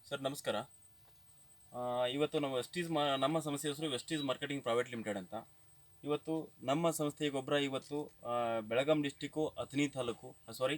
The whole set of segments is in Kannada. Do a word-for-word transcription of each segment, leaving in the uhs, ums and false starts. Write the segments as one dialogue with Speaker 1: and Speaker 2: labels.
Speaker 1: ಸರ್ ನಮಸ್ಕಾರ. ಆ, ಇವತ್ತು ನಾವು ವೆಸ್ಟೀಸ್ ಮಾ ನಮ್ಮ ಸಂಸ್ಥೆ ಹೆಸರು ವೆಸ್ಟೀಸ್ ಮಾರ್ಕೆಟಿಂಗ್ ಪ್ರೈವೇಟ್ ಲಿಮಿಟೆಡ್ ಅಂತ. ಇವತ್ತು ನಮ್ಮ ಸಂಸ್ಥೆಯ ಗೊಬ್ಬರ ಇವತ್ತು ಆ, ಬೆಳಗಾಂ ಡಿಸ್ಟಿಕ್ಕು ಅಥಣಿ ತಾಲೂಕು ಸಾರಿ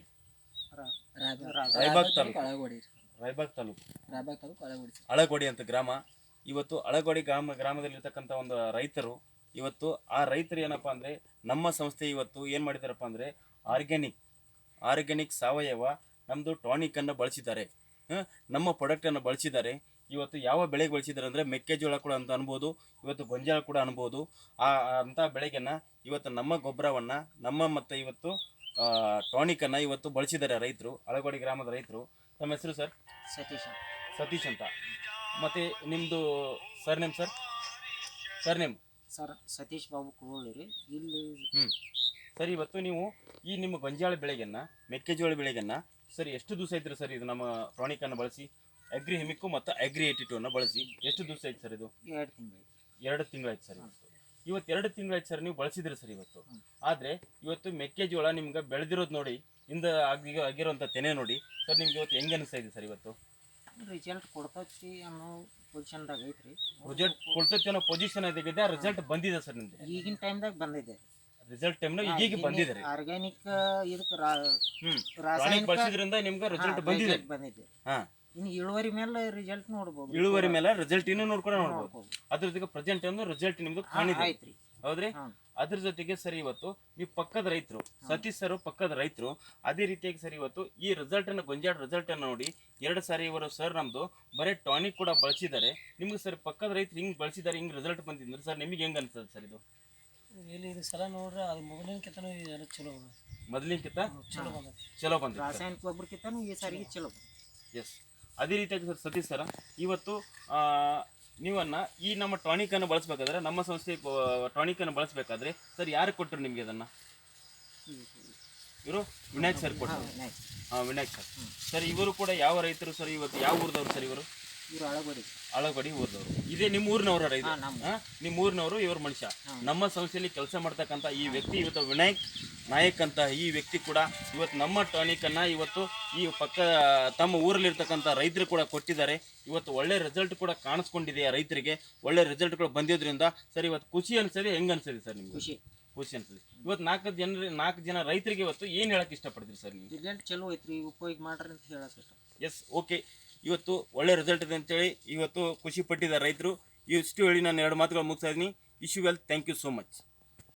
Speaker 1: ರಾಯಬಾಗ್ ತಾಲೂಕು ರಾಯಬಾಗ್ ತಾಲೂಕು ಅಳಗೋಡಿ ಅಂತ ಗ್ರಾಮ. ಇವತ್ತು ಅಳಗೋಡಿ ಗ್ರಾಮ ಗ್ರಾಮದಲ್ಲಿರ್ತಕ್ಕಂಥ ಒಂದು ರೈತರು ಇವತ್ತು ಆ ರೈತರು ಏನಪ್ಪ ಅಂದರೆ ನಮ್ಮ ಸಂಸ್ಥೆ ಇವತ್ತು ಏನು ಮಾಡಿದಾರಪ್ಪ ಅಂದರೆ ಆರ್ಗ್ಯಾನಿಕ್ ಆರ್ಗ್ಯಾನಿಕ್ ಸಾವಯವ ನಮ್ಮದು ಟಾನಿಕನ್ನು ಬಳಸಿದ್ದಾರೆ. ಹ, ನಮ್ಮ ಪ್ರಾಡಕ್ಟನ್ನು ಬಳಸಿದ್ದಾರೆ. ಇವತ್ತು ಯಾವ ಬೆಳೆಗೆ ಬಳಸಿದ್ದಾರೆ ಅಂದರೆ ಮೆಕ್ಕೆಜೋಳ ಕೂಡ ಅಂತ ಅನ್ಬೋದು, ಇವತ್ತು ಗೊಂಜಾಳ ಕೂಡ ಅನ್ಬೋದು. ಆ ಅಂಥ ಬೆಳೆಗೆನ ಇವತ್ತು ನಮ್ಮ ಗೊಬ್ಬರವನ್ನು ನಮ್ಮ ಮತ್ತು ಇವತ್ತು ಟಾನಿಕನ್ನು ಇವತ್ತು ಬಳಸಿದ್ದಾರೆ ರೈತರು, ಅಳಗೋಡಿ ಗ್ರಾಮದ ರೈತರು. ತಮ್ಮ ಹೆಸರು ಸರ್?
Speaker 2: ಸತೀಶ್
Speaker 1: ಸತೀಶ್ ಅಂತ. ಮತ್ತು ನಿಮ್ಮದು sir name sir? Sir name
Speaker 2: sir Satish Babu Kuruli ರೀ ಇಲ್ಲಿ.
Speaker 1: ಹ್ಞೂ ಸರ್, ಇವತ್ತು ನೀವು ಈ ನಿಮ್ಮ ಗೊಂಜಾಳ ಬೆಳೆಗನ್ನು ಮೆಕ್ಕೆಜೋಳ ಬೆಳೆಗನ್ನು ಸರ್ ಎಷ್ಟು ದಿವಸ ಐತ್ರಿ ಸರ್ ಇದು ನಮ್ಮ ಟಾನಿಕನ್ನು ಬಳಸಿ ಅಗ್ರಿ ಹೆಮಿಕ್ಕು ಮತ್ತು ಅಗ್ರಿ ಏಯ್ಟಿ ಟೂ ಅನ್ನು ಬಳಸಿ ಎಷ್ಟು ದಿವಸ ಐತೆ ಸರ್ ಇದು?
Speaker 2: ಎರಡು ತಿಂಗಳು
Speaker 1: ಎರಡು ತಿಂಗಳಾಯ್ತು ಸರ್. ಇವತ್ತು ಎರಡು ತಿಂಗಳಾಯ್ತು ಸರ್ ನೀವು ಬಳಸಿದ್ರಿ ಸರ್ ಇವತ್ತು. ಆದರೆ ಇವತ್ತು ಮೆಕ್ಕೆಜೋಳ ನಿಮ್ಗೆ ಬೆಳೆದಿರೋದು ನೋಡಿ, ಇಂದ ಆಗಿ ಆಗಿರೋಂಥ ತೆನೆ ನೋಡಿ ಸರ್, ನಿಮ್ಗೆ ಇವತ್ತು ಹೆಂಗೆ ಅನಿಸ್ತಾ ಇದೆ ಸರ್? ಇವತ್ತು
Speaker 2: ರಿಸಲ್ಟ್ ಕೊಡ್ತೈತಿ ಅನ್ನೋ ಪೊಸಿಷನ್ದಾಗ ಐತ್ರಿ.
Speaker 1: ರಿಸಲ್ಟ್ ಕೊಡ್ತೈತಿ ಅನ್ನೋ ಪೊಸಿಷನ್ ಆಗಿದೆ, ಆ ರಿಸಲ್ಟ್ ಬಂದಿದೆ ಸರ್ ನಿಮ್ದು?
Speaker 2: ಈಗಿನ ಟೈಮ್ದಾಗ ಬಂದಿದೆ
Speaker 1: ರಿಸಲ್ಟ್ ಟೈಮ್ನ ಈಗೀಗ ಬಂದಿದೆ ರೀ.
Speaker 2: ಆರ್ಗ್ಯಾನಿಕ್ ಇದಕ್ಕೆ
Speaker 1: ಹ್ಮ್ ಟಾನಿಕ್ ಬಳಸಿದ್ರಿಂದ ನಿಮ್ಗೆ ರಿಸಲ್ಟ್ ಬಂದಿದೆ.
Speaker 2: ಬಂದಿದೆ.
Speaker 1: ಹಾ,
Speaker 2: ಇನ್ನು ಇಳುವರಿ ಮೇಲೆ ರಿಸಲ್ಟ್ ನೋಡ್ಬೋದು.
Speaker 1: ಇಳುವರಿ ಮೇಲೆ ರಿಸಲ್ಟ್ ಇನ್ನೂ ನೋಡ್ಕೊಂಡು ನೋಡ್ಬೋದು. ಅದ್ರ ಜೊತೆಗೆ ಪ್ರೆಸೆಂಟ್ ಒಂದು ರಿಸಲ್ಟ್ ನಿಮ್ದು ಕಾಣಿದೆ,
Speaker 2: ಐತ್ರಿ.
Speaker 1: ಹೌದ್ರಿ? ಅದ್ರ ಜೊತೆಗೆ ಸರಿ ಇವತ್ತು ನೀವು ಪಕ್ಕದ ರೈತರು, ಸತೀಶ್ ಸರ್ ಪಕ್ಕದ ರೈತರು, ಅದೇ ರೀತಿಯಾಗಿ ಸರ್ ಇವತ್ತು ಈ ರಿಸಲ್ಟ್ ಅನ್ನು ಗೊಂಜಾಳ ರಿಸಲ್ಟ್ ಅನ್ನು ನೋಡಿ ಎರಡು ಸಾರಿ ಇವರು ಸರ್ ನಮ್ದು ಬರೀ ಟಾನಿಕ್ ಕೂಡ ಬಳಸಿದ್ದಾರೆ. ನಿಮ್ಗೆ ಸರ್ ಪಕ್ಕದ ರೈತರು ಹಿಂಗ್ ಬಳಸಿದ್ದಾರೆ, ಹಿಂಗ್ ರಿಸಲ್ಟ್ ಬಂದಿದ್ರೆ ಸರ್ ನಿಮಗೆ ಹೆಂಗ್ ಅನ್ಸ್ತದೆ ಸರ್ ಇದು?
Speaker 3: ಇಲ್ಲಿ ಇದು ಸಲ ನೋಡ್ರೆ ಅದು ಮೊದಲಿನಕಿಂತನೂ ಎಲ್ಲ ಚಲೋ ಅದ.
Speaker 1: ಮೊದಲಿನಕಿಂತ
Speaker 3: ಚಲೋ ಬಂದ
Speaker 1: ಚಲೋ ಬಂದಿದೆ.
Speaker 2: ರಾಸಾಯನಿಕ ಗೊಬ್ಬರಕ್ಕಿಂತನೂ ಈ ಸಾರಿಗೆ ಚಲೋ.
Speaker 1: ಎಸ್, ಅದೇ ರೀತಿಯಾಗಿ ಸರ್ ಸತೀಶ್ ಸರ ಇವತ್ತು ನೀವನ್ನ ಈ ನಮ್ಮ ಟಾನಿಕನ್ನು ಬಳಸಬೇಕಾದ್ರೆ, ನಮ್ಮ ಸಂಸ್ಥೆ ಟಾನಿಕನ್ನು ಬಳಸಬೇಕಾದ್ರೆ ಸರ್ ಯಾರು ಕೊಟ್ಟರು ನಿಮಗೆ ಅದನ್ನು? ಇವರು ವಿನಾಯಕ್ ಸರ್ ಕೊಟ್ಟರು. ಹಾಂ, ವಿನಾಯಕ್ ಸರ್. ಸರ್ ಇವರು ಕೂಡ ಯಾವ ರೈತರು ಸರ್? ಇವತ್ತು ಯಾವ ಊರಿದವರು ಸರ್ ಇವರು?
Speaker 2: ಇವರು ಅಳಗೋಡಿ
Speaker 1: ಅಳಗೋಡಿ ಊರಿದವರು. ಇದೇ ನಿಮ್ಮ ಊರಿನವರ ರೈತ? ನಿಮ್ಮ ಊರಿನವರು ಇವ್ರ ಮನುಷ್ಯ. ನಮ್ಮ ಸಂಸ್ಥೆಯಲ್ಲಿ ಕೆಲಸ ಮಾಡ್ತಕ್ಕಂಥ ಈ ವ್ಯಕ್ತಿ ಇವತ್ತು ವಿನಾಯಕ್ ನಾಯಕ್ ಅಂತ ಈ ವ್ಯಕ್ತಿ ಕೂಡ ಇವತ್ತು ನಮ್ಮ ಟಾನಿಕನ್ನು ಇವತ್ತು ಈ ಪಕ್ಕ ತಮ್ಮ ಊರಲ್ಲಿರ್ತಕ್ಕಂಥ ರೈತರು ಕೂಡ ಕೊಟ್ಟಿದ್ದಾರೆ. ಇವತ್ತು ಒಳ್ಳೆ ರಿಸಲ್ಟ್ ಕೂಡ ಕಾಣಿಸ್ಕೊಂಡಿದೆ ಆ ರೈತರಿಗೆ. ಒಳ್ಳೆ ರಿಸಲ್ಟ್ಗಳು ಬಂದಿದ್ದರಿಂದ ಸರ್ ಇವತ್ತು ಖುಷಿ ಅನಿಸ್ತದೆ. ಹೆಂಗೆ ಅನಿಸ್ತದೆ ಸರ್ ನಿಮ್ಗೆ?
Speaker 2: ಖುಷಿ
Speaker 1: ಖುಷಿ ಅನಿಸ್ತದೆ. ಇವತ್ತು ನಾಲ್ಕು ಜನ ನಾಲ್ಕು ಜನ ರೈತರಿಗೆ ಇವತ್ತು ಏನು ಹೇಳಕ್ಕೆ ಇಷ್ಟಪಡ್ತೀರಿ ಸರ್ ನೀವು?
Speaker 2: ರಿಸಲ್ಟ್ ಚಲೋ ಐತ್ರಿ, ಉಪಯೋಗ ಮಾಡ್ರಿ ಅಂತ ಹೇಳಕ್ಕೆ ಇಷ್ಟ.
Speaker 1: Yes, okay. ಇವತ್ತು ಒಳ್ಳೆ ರಿಸಲ್ಟ್ ಇದೆ ಅಂತೇಳಿ ಇವತ್ತು ಖುಷಿ ಪಟ್ಟಿದ್ದಾರೆ ರೈತರು. ಇಷ್ಟು ಹೇಳಿ ನಾನು ಎರಡು ಮಾತುಗಳು ಮುಗಿಸ್ತಾ ಇದ್ದೀನಿ. Wish you well, thank you so much.